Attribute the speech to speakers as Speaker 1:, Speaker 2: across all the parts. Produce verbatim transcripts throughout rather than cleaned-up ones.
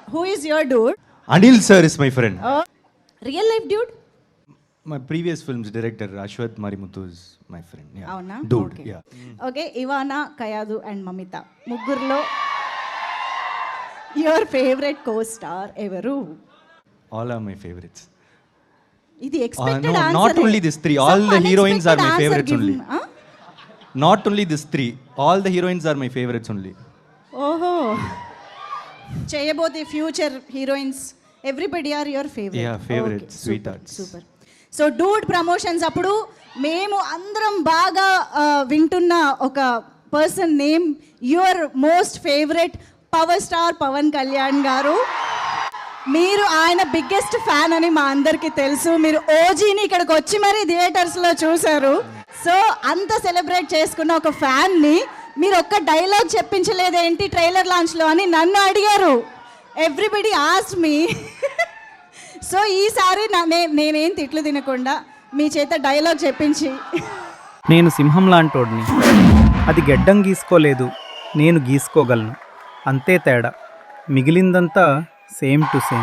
Speaker 1: Who is your dude?
Speaker 2: Anil sir is my friend.
Speaker 1: Oh, real life dude?
Speaker 2: My previous film's director Ashwath Marimuthu is my friend. Yeah.
Speaker 1: Avuna?
Speaker 2: Dude.
Speaker 1: Okay.
Speaker 2: Yeah.
Speaker 1: Okay, Ivana, Kayadu and Mamita. Muggurlo your favorite co-star evaru?
Speaker 2: All are my favorites.
Speaker 1: Idi
Speaker 2: Uh,
Speaker 1: expected
Speaker 2: no,
Speaker 1: answer.
Speaker 2: not only these three. All the heroines are my favorites only.
Speaker 1: Huh?
Speaker 2: Not only these three. All the heroines are my favorites only.
Speaker 1: ఓహో చేయబోతే future heroines everybody are your favourite.
Speaker 2: Yeah, favorites, sweethearts.
Speaker 1: Super. So dude promotions అప్పుడు మేము అందరం బాగా ఆ, వింటున్న ఒక person name your most favourite power star Pawan Kalyan garu. మీరు ఆయన బిగ్గెస్ట్ ఫ్యాన్ అని మా అందరికీ తెలుసు. మీరు ఓజీని ఇక్కడికి వచ్చి మరీ థియేటర్స్లో చూశారు. సో అంత సెలబ్రేట్ చేసుకున్న ఒక ఫ్యాన్ని మీరు ఒక్క డైలాగ్ చెప్పించలేదేంటి ట్రైలర్ లాంచ్లో అని నన్ను అడిగారు. ఎవ్రీబడి ఆస్ట్ మీ. సో ఈసారి నా నే- నేనేం తిట్లు తినకుండా మీ చేత డైలాగ్ చెప్పించి
Speaker 3: నేను సింహం లాంటోడిని, అది గెడ్డం గీసుకోలేదు, నేను గీసుకోగలను, అంతే తేడా, మిగిలిందంతా same to same.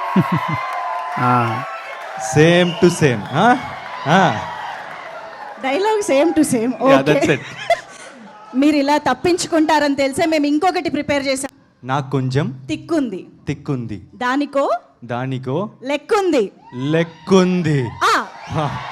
Speaker 2: Same to same. Huh? Ah.
Speaker 1: Dialogue same to same.
Speaker 2: Yeah, that's it.
Speaker 1: మీరు ఇలా తప్పించుకుంటారని తెలిసే మేము ఇంకొకటి ప్రిపేర్ చేసాం.
Speaker 2: నాకు కొంచెం
Speaker 1: తిక్కుంది,
Speaker 2: తిక్కుంది,
Speaker 1: దానికో
Speaker 2: దానికో
Speaker 1: లెక్కుంది.
Speaker 2: లెక్కుంది.
Speaker 1: ఆ
Speaker 2: Huh.